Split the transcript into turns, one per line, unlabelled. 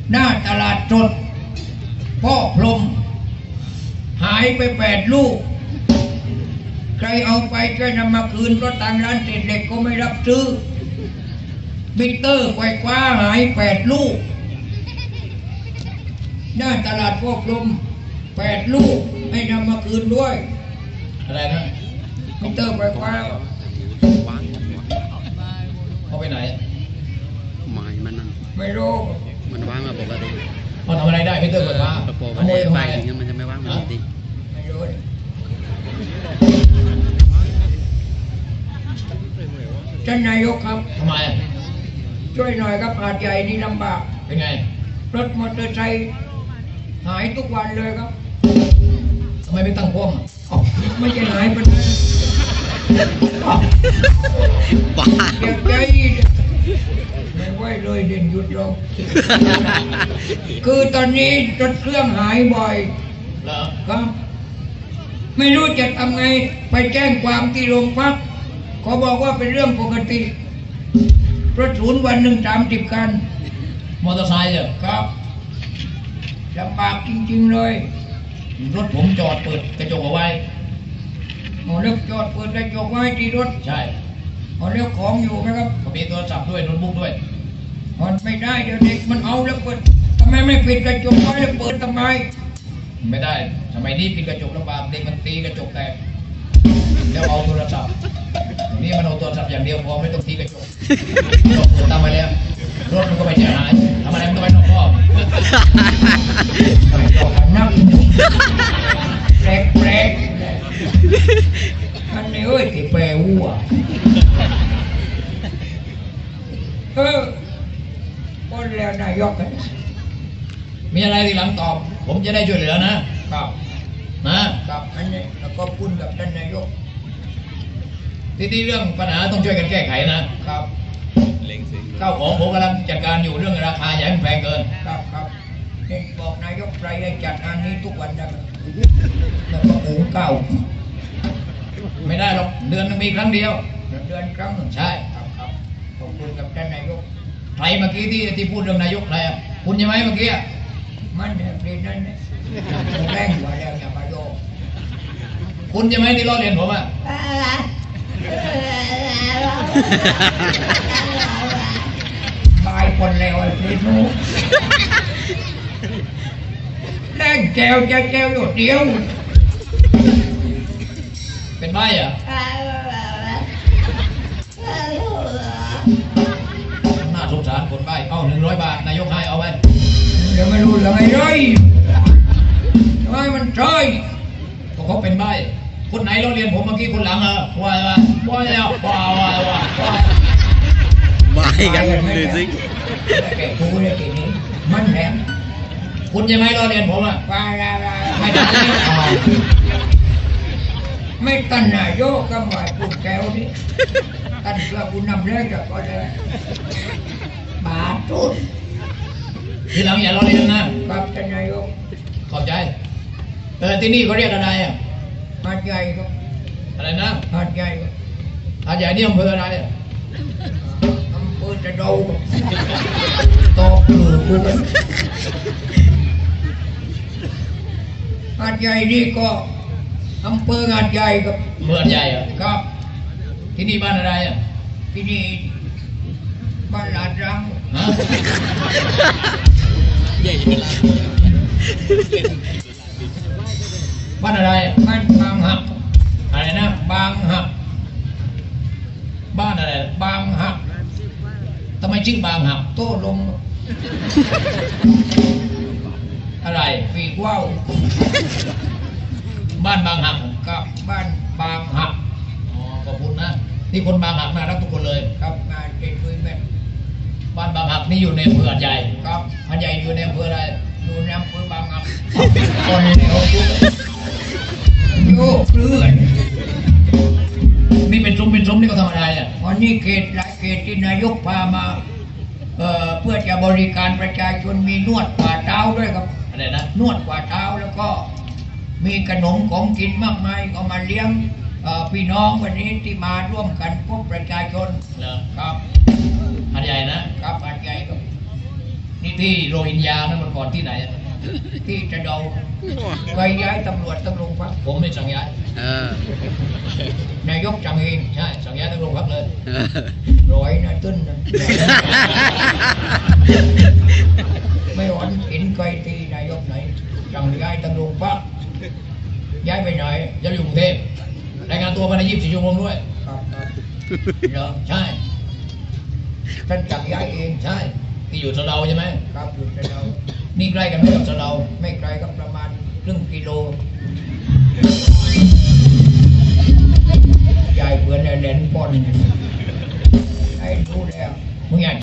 หน้าตลาดสดพ่อพรหมหายไป8 ลูกใครเอาไปช่วยนำมาคืนเพราะทางร้านเศษเหล็กก็ไม่รับซื้อมิเตอร์ไฟฟ้าหาย8 ลูกหน้าตลาดพ่อพรหม8 ลูกให้นำมาคืนด้วยอะไรนะมิเตอร์ไฟฟ้าเขาไปไหน
หมายมันนั่น
ไม่รู้
มันว่างมาปกติ
มันทำอะไรได้มิเตอร์ไฟฟ้า
มันไม่ไปอย่างเงี้ยมันจะไม่ว่างมันจริง
ไม่รู้ท่านนายกครับทำไมช่วยหน่อยครับหาดใหญ่นี่ลำบากเป็นไงรถมอเตอร์ไซค์หายทุกวันเลยครับทำไมไม่ตั้งพ่วงไม่ใช่หายไปเลย
บ้า
เก็บใจไม่ไหวเลยเด่นหยุดลงคือตอนนี้รถเครื่องหายบ่อยครับไม่รู้จะทำไงไปแจ้งความที่โรงพักเขาบอกว่าเป็นเรื่องปกติรถศูนย์วันหนึ่ง30 คันมอเตอร์ไซค์ครับลำบากจริงๆเลยรถผมจอดเปิดกระจกเอาไว้เลือกจอดเปิดกระจกไว้ที่รถใช่เลือกของอยู่นะครับมีโทรศัพท์ด้วยโน้ตบุ๊กด้วยมันไม่ได้เดี๋ยวเด็กมันเอาแล้วเปิดทำไมไม่ปิดกระจกไว้แล้วเปิดทำไมไม่ได้ทำไมนี่ปิดกระจกลำบากเด็กมันตีกระจกแตกเดี๋ยวเอาโทรศัพท์นี่มันเอาโทรศัพท์อย่างเดียวพอไม่ต้องตีกระจกตามมาแล้วรถมันก็ไม่เสียหายทำอะไรมันก็ไม่ต้องรอบนักแปลกอันนี้เอ้ยที่แปลวัวก็แล้วนายกกันมีอะไรทีหลังตอบผมจะได้ช่วยเหลือนะครับนะครับอันนี้แล้วก็พูดกับท่านนายกที่เรื่องปัญหาต้องช่วยกันแก้ไขนะครับข้าวของผมกำลังจัดการอยู่เรื่องราคาอย่าให้มันแพงเกินครับเห็นบอกนายกไตรให้จัดงานนี้ทุกวันนะครับแล้วก็หุงข้าวไม่ได้หรอกเดือนนึงมีครั้งเดียวเดือนครั้งหนึ่งใช่ครับขอบคุณกับท่านนายกใครเมื่อกี้ที่พูดเรื่องนายกใครคุณใช่ไหมเมื่อกี้มันเนี่ยเปลี่ยนนั่นเนี่ยแรงกว่าแล้วอย่ามาโยกคุณใช่ไหมที่ล้อเลียนผมตายคนแล้วไอ้พี่หนูแรงแก้วจะแก้วอยู่เดียวเป็นใบน่าสงสารคนใบเอา100 บาทนายกให้เอาไว้เดี๋ยวไม่รู้เรื่องไงเลยทำไมมันใช่ก็เขาเป็นใบคนไหนเราเรียนผมเมื่อกี้คนหลังว่าแล้ว
บ้ากันเลยสิ
แกกูเลยทีนี้มันแหลมคุณยังไงเราเรียนผมว่าไม่ได้ไม่ตันนายกก็หมายพูดแก้วนี่ตันเพื่อคุณนำเรื่องจากก็ได้บาทุนทีหลังอย่าเราเรียนนะครับท่านนายกขอบใจที่นี่เขาเรียกอะไรหาดใหญ่ครับอะไรนะหาดใหญ่หาดใหญ่นี่อำเภออะไรอำเภอจะดูตอบกูกันหาดใหญ่นี่ก็อำเภอหาดใหญ่ครับเมืองใหญ่ครับที่นี่บ้านอะไรที่นี่บ้านลาดรังใหญ่บ้านอะไรบ้านบางหักอะไรนะบางหักบ้านอะไรบางหักทำไมชื่อบางหักโต้ลงอะไรปีกว่าวบ้านบางหักครับบ้านบางหักขอบคุณนะที่คนบางหักน่ารักทุกคนเลยครับงานเด็กคุยแม่บ้านบางหักนี่อยู่ในอำเภอหาดใหญ่ครับหาดใหญ่อยู่ในอำเภออะไรอยู่ในอำเภอบางหักคนเดียวโยกเลื่อนนี่เป็นซุ้มนี่ก็ทำอะไรวันนี้เขตหลายเขตที่นายกพามาเพื่อจะบริการประชาชนมีนวดกว่าเท้าด้วยครับอะไรนะนวดกว่าเท้าแล้วก็มีขนมของกินมากมายก็มาเลี้ยงพี่น้องวันนี้ที่มาร่วมกันพบประชาชนครับหาดใหญ่นะครับหาดใหญ่ครับนี่
ที่โรฮิงญานั่นมันก่อนที่ไหนอะ
ที่จะเดาไปย้ายตำรวจตำรวจพัก
ผมไม่สั่งย้าย
เออน
ายกจังเอง
ใช่สั่งย้ายทั้งโรงพักเลย
เออ
ร้อยนะตึ้นนะไม่หวันเห็นใครตีนายกไหนจังย้ายตำรวจพักย้ายไปไหน
จะอยู่กรุงเทพรายงานตัวภายใน24 ชั่วโมงด้วย
ครับครับเหรอ
ใช่
ท่านจังย้ายเอง
ใช่ที่อยู่สะเดาใช่ไหม
ครับอยู่จะเดา
นี่ใกล้กันไหมกับสะเดา
ไม่ไกลก็ประมาณครึ่งกิโลยายเพื่อนแหลนป้อนให้รู้แล้ว
มึงอยาก